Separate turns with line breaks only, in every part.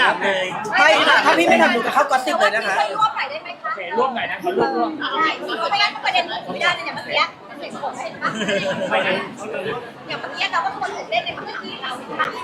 ถามเลย
ไม่ถ้าพี่ไม่ทำหนูจะเข้ากอสซิบเลยนะคะ
ร่วมหน่อยได้ไหมคะ
ร่วมหน่อยนะเขาร่วม
ได้ไม่งั้นประเด็นไม่ได้เลยเนี่ยเมื่อกี้มันเห็นผมเห็นปะ
ไปเลย
อย่างเมื่อกี้เราก็คนตื่นเต้นในเมื่อกี้เราเห็นปะ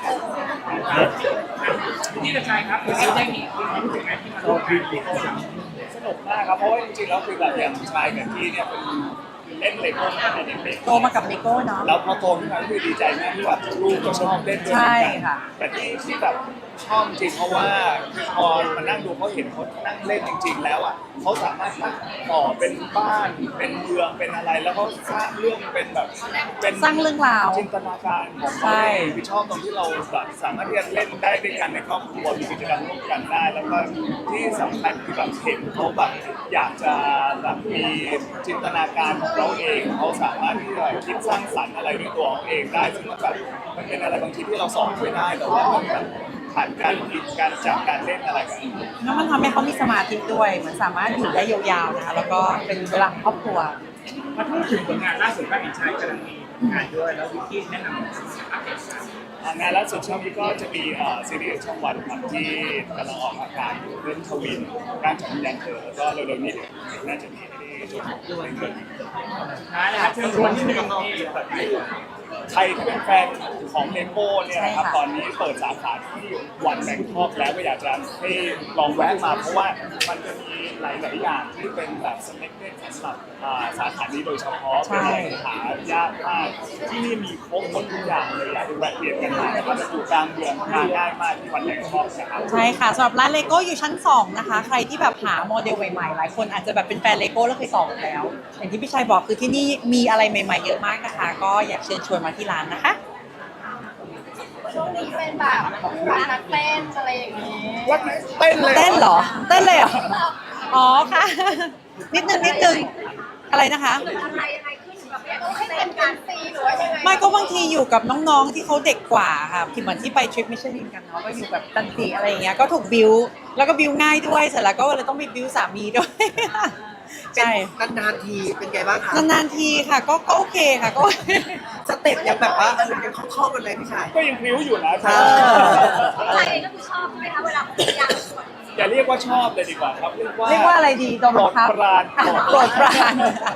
พี่กระชายครับคือได้มีความรู้สึกไหมที่มาร่วมงาน
สนุกมากครับเพราะว่าจริงๆแล้วคือแบบอย่างชายกับพี่เนี่ยเป็นเล่นเลโก้มาตั้งแต่เด็ก
โตมากับเลโก้เนาะ
ๆแล้วพอโตขึ้นมาคือดีใจมากที่แบบลูกก็ชอบเล่นด้วยเหมือน
ใช่
กัน
ค่ะ
แต่ที่แบบชอบจริงเพราะว่าพอมานั่งดูเขาเห็นเขานั่งเล่นจริง ๆ แล้วอ่ะเขาสามารถต่อเป็นบ้านเป็นเมืองเป็นอะไรแล้วเขาสร้างเรื่องเป็นแบบเป็น
สร้างเรื่องราว
จินตนาการของ
ใช่
เขาเองคือชอบตรงที่เราแบบสามารถที่จะเล่นได้ด้วยกันในครอบครัวมีกิจกรรมร่วมกันได้ แล้วก็ที่สำคัญคือแบบเห็นเขาแบบอยากจะแบบมีจินตนาการของเราเองเขาสามารถที่จะคิดสร้างสรรค์อะไรด้วยตัวของเองได้ซึ่งแบบมันเป็นอะไรบางทีที่เราสอนไม่ได้แต่ว่ามันแบบผ่านการคิดการจับการเล่นอะไรกัน
แล้วมันทำให้เขามีสมาธิด้วยเหมือนสามารถอยู่ได้ยาวๆนะคะแล้วก็เป็นเวลาของครอบครัว
มาพูดถึงผลงานล่าสุดว่าเห็นชายกำลังมีงานด้วยแล้ววิกกี้แนะนำอัปเดต
งานล่าสุดช่วงนี้ก็จะมีซีรีส์ช่องวันครับที่กำลังออกอากาศอยู่เรื่องทวินการจับยันเธอแล้วก็เร็วๆนี้เดี๋ยวน่าจะมีที่ช่วงด้วย
ท้ายนะครับเชิญชวนที่หนึ่งที่
ใครที่เป็นแฟนของเลโก้เนี่ยนะครับ
ใช่ค่ะ
ตอนนี้เปิดสาขาที่วันแบงคอกแล้วก็อยากจะให้ลองแวะมาเพราะว่ามันจะมีหลายๆอย่างที่เป็นแบบสเน็กเก็ตสำหรับสาขานี้โดยเฉพาะเป็นอะไรหายากมากที่นี่มีครบหมดทุกอย่างเลยอยากให้แวะเวียนกันมานะครับอยู่กลางเมืองมาง่ายมากที่วันแบงคอกนะครับ
ใช่ค่ะสำหรับร้านเลโก้อยู่ชั้น 2 นะคะ ใครที่แบบหาโมเดลใหม่ๆ หลายคนอาจจะแบบเป็นแฟนเลโก้แล้วเคยต่อแล้ว อย่างที่พี่ชัยบอกคือที่นี่มีอะไรใหม่ๆเยอะมากนะคะ ก็อยากเชิญชวนมาที่ร้านนะคะ
ช่วงนี้เป็นแบบนักเต้นอะไรอย่างนี้
วัดเต้นเลย
เต้นเหรอ เต้นเลยเหรอ อ๋อค่ะ นิดนึงอะไรนะคะ
อะไรยังไงขึ้นแบบต้องให้เป็นการซีหรือว่ายังไง
ไม่ก็บางทีอยู่กับน้องๆที่เขาเด็กกว่าค่ะที่เหมือนที่ไปทริปมิชลินกันเนาะก็อยู่แบบตันติอะไรอย่างเงี้ยก็ถูกบิวแล้วก็บิวง่ายด้วยเสร็จแล้วก็เลยต้องไปบิวสามีด้วย ใช่
นานๆทีเป็นไงบ้างคะ
นานๆทีค่ะก็โอเคค่ะก็
สเต็ปยังแบบว่ายังคล่องๆกันเลยพี่ชาย
ก็ยังพริ้วอยู่นะ
ใจเองก็คือชอบใช่ไหมคะเวลาผมอยากชวน
อย่าเรียกว่าชอบเลยดีกว่าครับเรียกว่า
เรียกว่าอะไรดีโดนบังคับ
โปรดปราน
โปรดปราน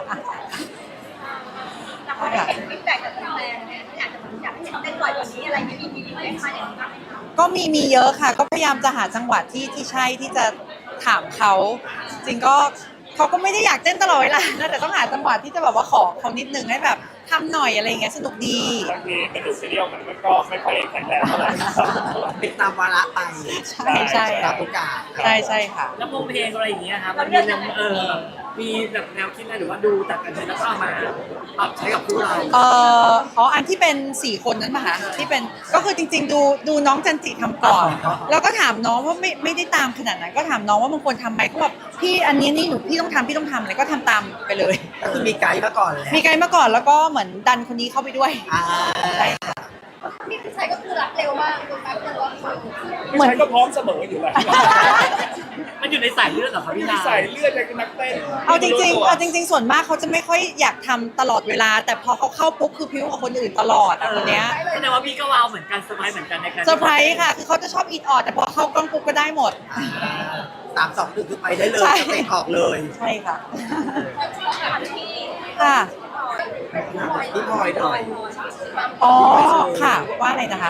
แต่พอได้เห็นฟีดแบ็กจากแฟนเนี่ยอยากให้เต้นบ่อยกว่านี้อะไรไม่มีไหมคะอย่างนี้
ก็มีเยอะค่ะ ก็พยายามจะหาจังหวะที่ใช่ที่จะถามเขาจริงก็เขาก็ไม่ได้อยากเต้นตลอดเวลานะแต่ต้องหาจังหวะที่จะแบบว่าขอเขานิดนึงให้แบบทำหน่อยอะไรอย่างเงี้ยสนุกดี
บางทีกระดูกเสียวมันก็ไม่ค่อยแข็งแรงเท่าไหร่
เป็นตามวาระไป
ใช่
ตามโอกาส
ใช่ค่ะ
แล้ววงเพลงอะไรอย่างเงี้ยครับมันมีมีแบบแนวคิดอะไรหรือว่าดูจากกันแล้วก็เอามาปรับใช้กับพวกเรา
อันที่เป็น4คนนั้นมาคะที่เป็นก็คือจริงๆดูน้องจันจิทำก่อน แล้วก็ถามน้องว่าไม่ได้ตามขนาดนั้นก็ถามน้องว่าบางคนทำไหมเขาบอกพี่อันนี้นี่หนูพี่ต้องทำอะไรก็ทำตามไปเลย
ก็คือมีไกด์มาก่อนแหละ
มีไกด์มาก่อนแล้วก็เหมือนดันคนนี้เข้าไปด้วย
อ่า
ใช่ค่ะ
พี่ชายก็คือรับเร็วมากคือแป๊บเดียวว่า
ไม่ใช่ก็พร้อมเสมออยู่แล้ว
มันอยู่ในสายเลือดเหรอครับพี่นา
ใส่เลือดจากนักเต้น
เอาจริงๆส่วนมากเขาจะไม่ค่อยอยากทำตลอดเวลา แต่พอเขาเข้าปุ๊บคือพิ้วกับคนอื่นตลอดอ่ะคนเนี้ย
แสดงว่าพี่ก็ว้าวเหมือนกันเซอร์ไพรส์เหมือนกันในการ
เซอร์ไพรส์ค่ะคือเขาจะชอบอินออดแต่พอเข้ากล้องปุ๊บก็ได้หมด
3-2-1คือไปได้เลย
ใช่
สเต็ปออกเลย
ใช่ค่ะ
ที่
ค่ะ
พี่พลอยหน่อย
อ๋อค่ะว่าอะไรนะคะ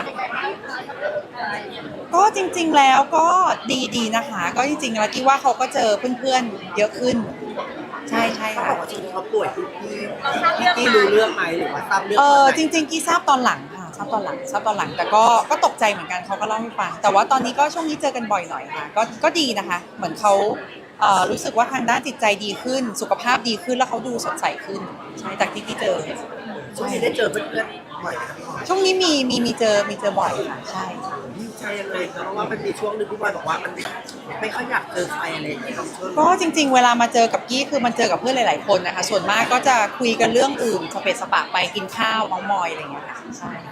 ก็จริงๆแล้วก็ดีนะคะ ก็จริงๆแล้วกี้ว่าเขาก็เจอเพื่อนๆเยอะขึ้น ใช่
เขา
ค่ะ
บอกว่าช่วงนี้เขาป่วยพี่รู้เรื่องไหมหรือว่าทราบเรื่อง
จริงๆกี้ทราบตอนหลังค่ะทราบตอนหลังแต่ก็ตกใจเหมือนกันเขาก็เล่าให้ฟังแต่ว่าตอนนี้ก็ช่วงนี้เจอกันบ่อยหน่อยค่ะก็ดีนะคะ เหมือนเขารู้สึกว่าทางด้านจิตใจดีขึ้น สุขภาพดีขึ้นแล้วเขาดูสดใสขึ้นใช่จากที่กี้เจอ
ช่วงนี้ได้เจอเพื่อนๆบ่อยไหมครับพี่พลอย
ช่วงนี้มีเจอบ่อยค่ะใช่
ใช่เลยเพราะว่ามันมีช่วงหนึงพี่พลอยบอกว่ามันไม่ค่อยอยากเจอใครอะไรอย่างเงี้ยช่วง
ก็จริงๆ เวลามาเจอกับกี้คือมันเจอกับเพื่อนหลายๆคนนะคะส่วนมากก็จะคุยกันเรื่องอื่นสเปซสปะไปกินข้าวเมามอยอะไรอย่างเงี้ยค่ะใช่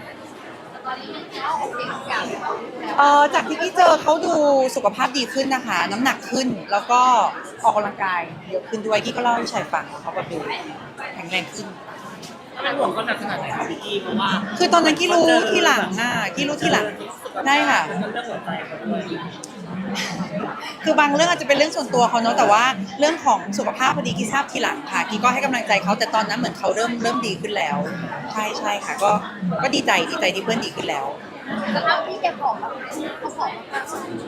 จากที่กี้เจอเขาดูสุขภาพดีขึ้นนะคะ น้ำหนักขึ้นแล้วก็ออกกำลังกายเยอะขึ้นด้วยกี้ก็เล่าให้ชายฟังเขาแบบดูแข็งแรงขึ้น
เป็นห่วงเขาหนักขนาดไหนครับพี่กี้เพราะว่า
คือตอนนั้นกี้รู้ที่หลังกี้รู้ที่หลังได้ค่ะ
เรื่องหัวใจเขาด้วย
คือบางเรื่องอาจจะเป็นเรื่องส่วนตัวเขาเนาะแต่ว่าเรื่องของสุขภาพพอดีกี้ทราบทีหลังค่ะกี้ก็ให้กำลังใจเขาแต่ตอนนั้นเหมือนเขาเริ่มดีขึ้นแล้ว ใช่ค่ะก็ดีใจที่เพื่อนดีขึ้นแล้ว
แล้วเอาพี่แกผอมแล้วเขาผอมมาก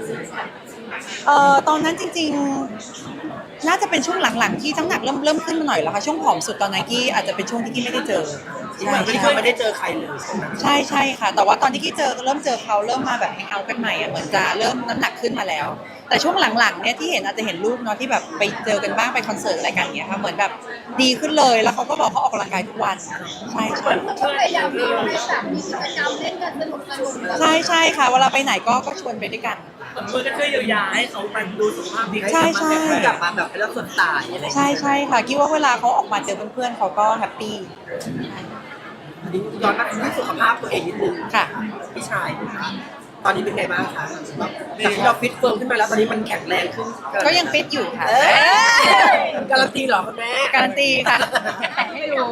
ตอนนั้นจริงๆน่าจะเป็นช่วงหลังๆที่น้ำหนักเริ่มขึ้นมาหน่อยแล้วค่ะช่วงผอมสุดตอนนั้นกี้อาจจะเป็นช่วงที่กี้ไม่ได้เจอ
ที่มันไม่ได้เจอใครเลย
ใช่ค่ะ แต่ว่าตอนที่กี้เริ่มเจอเขาเริ่มมาแบบแฮงเอาท์กันใหม่อ่ะเหมือนจะเริ่มน้ำหนักขึ้นมาแล้ว แต่ช่วงหลังๆเนี่ยที่เห็นอาจจะเห็นรูปเนาะที่แบบไปเจอกันบ้างไปคอนเสิร์ตอะไรกันเงี้ยค่ะเหมือนแบบดีขึ้นเลยแล้วเขาก็บอกเขาออกกำลังกายทุกวันใช่
ก็พยายามทำให้แบบมีกิจกรรมเล่นกันสนุก
ใช่ค่ะเวลาไปไหนก็ชวนไปด้วยกัน
มือก็ช่วยเยียวยาให้เขาไปดูสุขภาพดี
ใช่
กลับมาแบบเป็นเรื่องส่วนตายอะไร
ใช่ค่ะคิดว่าเวลาเขาออกมาเจอเพื่อนๆเขาก็แฮปปี้
ย้อนมาที่สุขภาพตัวเองนิดนึง
ค่ะ
พี่ชายตอนนี้เป็นไงบ้างคะจากที่เราฟิตเฟิร์มขึ้นมาแล้วตอนนี้มันแข็งแรงขึ้น
ก็ยังฟิตอยู่ค่ะ
การันตีเหรอคุณแม่
การันตีค่ะให้ดู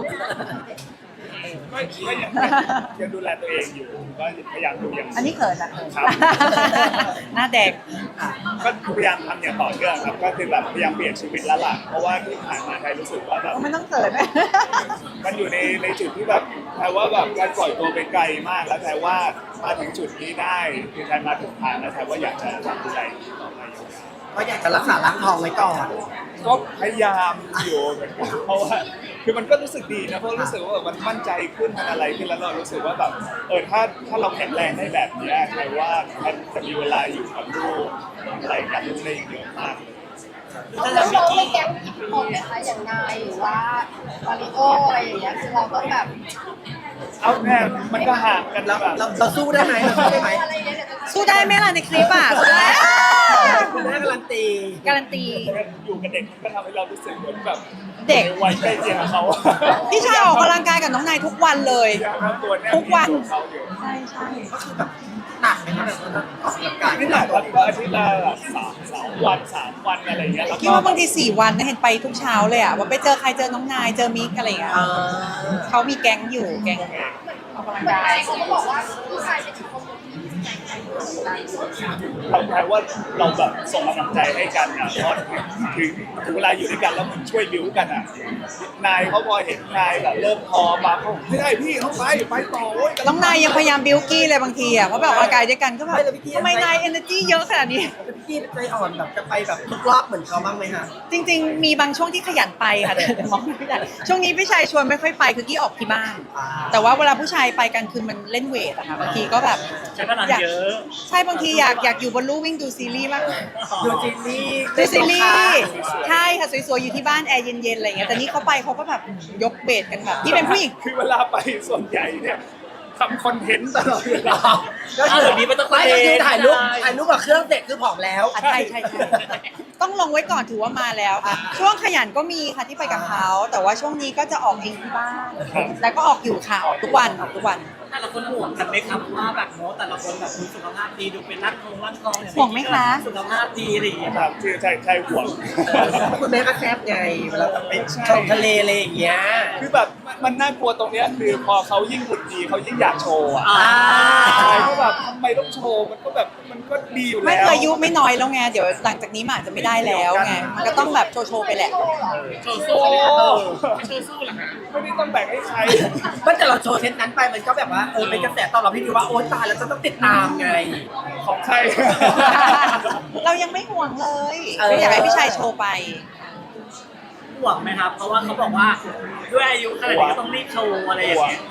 ก็ยังดูแลตัวเองอยู่ก็พยายามดูอย่าง
อันนี้เขินนะ
ครับ
หน้าแดง
ก็พยายามทำอย่างต่อเนื่องครับก็คือแบบพยายามเปลี่ยนชีวิตแล้วล่ะเพราะว่าที่ผ่านมาไทยรู้สึกว่าแบบ
ก็ไม่ต้องเขินนะ
มันอยู่ในจุดที่แบบแทว่าแบบการปล่อยตัวไปไกลมากแล้วแทว่ามาถึงจุดนี้ได้คือแทมาถึงทางแล้วแทว่าอยากจะทำอะไรต่อไป
ก็อยากจะรักษาล้างทองไว้ก่อน
ก็พยายามอยู่เหมือนกันเพราะว่าคือมันก็รู้สึกดีนะเพราะรู้สึกว่ามันมั่นใจขึ้นมันอะไรขึ้นแล้วเรารู้สึกว่าแบบถ้าเราแข็งแรงได้แบบนี้แปลว่ามันจะมีเวลาอยู่กับลูกอะไรกับลูกได้เยอะมาก
แล้วเราไม่แก๊งอิทธิพลนะคะอย่างนายหรือว่ามาริโออะไรอย่างเงี้ยคือเราต้องแบบ
เอาแน่มันก็ห่างกัน
แล้ว
แบบ
เราสู้ได้ไหมเราสู้ได้ไหม
อะไรอย่างเงี้ย
สู้ได้ไหมล่ะในคลิปอ่ะสู้ได้
คุณแม่การันตี
การันตี
อยู่กับเด็กมันก็ทำให้เรารู้สึกเหมือนแบบ
เด็ก
วัยใกล้เคียงกับเขา
พี่ชายออกกำลังกายกับน้องนายทุกวันเลย
ตัวแน่
ทุกวัน
เขาอยู่
ใช่
ก็คือแบบหนักไหมคะแบบว่าออกกำลังกาย
ไม่หนักครับก็อาทิตย์ละ3 วันอะไรอย่างเงี้ยแล้ว
คิดว่าบางที4 วันเนี่ยเห็นไปทุกเช้าเลยอ่ะว่าไปเจอใครเจอน้องนายเจอมิกอะไรอย่างเงี้ยเขามีแก๊งอยู่แก๊งออกกำลัง
เหมือน
กาย
นายเขาก็บอกว่าผู้ชายเป็นอีกคน
เราแปลว่าเราแบบส่งกำลังใจให้กันอ่ะเพราะถึงเวลาอยู่ด้วยกันแล้วมันช่วยบิวกันอ่ะนายเขาพอเห็นนายแบบเริ่มพอมาเขาไม่ได้พี่เขาไปต่อเว้ย
น้องนายยังพยายามบิวกี้เลยบางทีอ่ะเพราะแบบออกกำลังกายด้วยกันก็แบบทำไมนายเอเนอร์จีเยอะขนาดนี้
พี่ใจอ่อนแบบจะไปแบบทุกรอบเหมือนเขาบ้างไหมคะ
จริงๆ มีบางช่วงที่ขยันไปค่ะแต่มองไม่ได้ช่วงนี้พี่ชายชวนไม่ค่อยไปคือกี้ออกที่บ้าน แต่ว่าเวลาผู้ชายไปกันคือมันเล่นเวทอะค่ะบางทีก็แบบ
ใช้พลังเยอะ
ใช่บางทีอยากอยู่บนลู่วิ่งดูซีรีส์มาก
ดูซีรีส์
ดูซีรีส์ใช่ค่ะสวยๆอยู่ที่บ้านแอร์เย็นๆอะไรเงี้ยแต่นี่เขาไปเขาก็แบบยกเบสกันแบบที่เป็นผู้หญิง
คือเวลาไปส่วนใหญ่เนี่ยทำคอนเทนต์ตลอดเวลา
ก็คือไม่ก็คือถ่ายรูปกับเครื่องเสร็จคือผอมแล้ว
ใช่ต้องลงไว้ก่อนถือว่ามาแล้วค่ะช่วงขยันก็มีค่ะที่ไปกับเขาแต่ว่าช่วงนี้ก็จะออกเองที่บ้านแล้วก็ออกอยู่ค่ะออกทุกวัน
แต่ละคนห่วงกันไหมครับว่าแบบโน้ตแต่ละคนแบบมีสุขภาพดีดูเป็นรักกองเนี่ย
ห่วงไหมคะ
สุขภาพดีอะไรอย่างเงี้ย
ครับคือใช่ห่วง
คุณแม่ก็แซบไงเวลาไปชมทะเลอะไรอย่างเงี้ย
คือแบบมันน่ากลัวตรงเนี้ยคือพอเขายิ่งหุ่นดีเขายิ่งอยากโชว์อ่ะ
อ่า
ก็แบบทำไมต้องโชว์มันก็แบบมันก็ดีอยู่แล้ว
ไม่เคยอายุไม่น้อยแล้วไงเดี๋ยวหลังจากนี้มันอาจจะไม่ได้แล้วไงมันก็ต้องแบบโชว์ไปแหละ
โชว์สู้เลยโชว์สู้เหรอฮะ
ไม่ได้ต้องแบ่งให้ใคร
ก็แต่เราโชว์เทปนั้นไปมันก็แบบว่าเป็นกระแสตอบรับที่ดีว่าโอ๊ยตายแล้วจะต้องติดตามไง
ของใคร
เรายังไม่ห่วงเลยไม่อยากให้พี่ชายโชว์ไป
ห่วงไหมครับ เพราะว่าเขาบอกว่าด้วยอายุขนาดนี้ก็ต้องรีบโชว์อะไรอย่างเงี้ย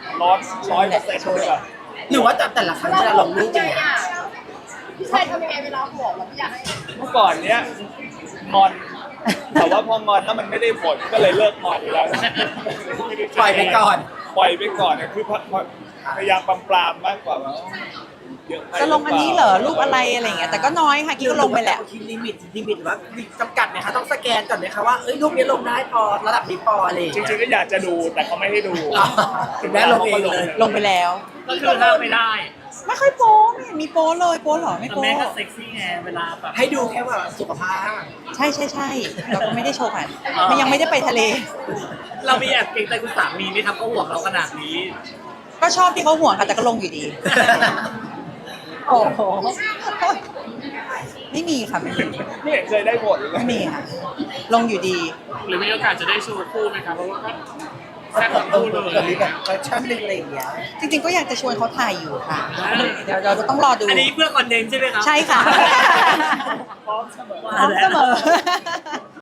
100%เลยแบบ
หรือว่าแต่ละครั้งที่เราลงรูปอย่างเงี้ย
พี่ชายทำยังไงเวลาห่วงเราไม่อยากให้
เมื่อก่อนเนี้ยงอน แต่ว่าพองอนแล้วมันไม่ได้ผลก็เลยเลิกงอนแล้ว
ปล่อยไปก่อน
ปล่อยไปก่อนเนี่ยคือพยายามปรามมากกว่าว่าเยอะไป
จะลงอันนี้เหรอรูปอะไรอะไรอย่างเงี้ยแต่ก็น้อยค่ะกิ๊กก็ลงไปแหละ
ทีลิมิตหรือว่าจำกัดไหมคะต้องสแกนก่อนไหมคะว่ารูปนี้ลงได้พอระดับนี้พออะไร
จริงๆก็อยากจะดูแต่เขาไม่ให้ดู
ถึงแม้ลงเองเลย
ลงไปแล้ว
ก็คือห้ามไม่ได้
ไม่ค่อยโป๊ไม่เห็นมีโป๊เลยโป๊เหรอไม่
แต่
โป๊
แม่ก็เซ็กซี่ไงเวลาแบบ
ให้ดูแค่ว่าสุขภาพ
ใช่เราก็ไม่ได้โชว์ผ่านมันยังไม่ได้ไปทะเล
เรามีแอบเกรงใจคุณสามีไหมครับเขาห่วงเราขนาดนี้
ก็ชอบที่เขาห่วงค่ะแต่ก็ลงอยู่ดี โอ้โหไม่มีค่ะไม่มี
ไม่เห็นเคยได้ผลเลย
ไม่มีค่ะ ลงอยู่ดี
หรือมีโอกาสจะได้โชว์คู่ไหมครับเพราะว่าก็แซ่บ
เอ
ทั้งคู่เล
อมีแบบแฟชั่นหนึ่งอะไรอย่างเงี้ย
จริงๆก็อยากจะชวนเขาถ่ายอยู่ค่ะ เดี๋ยวเราจะต้องรอดู
อันนี้เพื่อคอนเทนต์ใช่ไหมครับ
ใช่ค่ะ
พร้อมเสมอ
พร้อมเสมอ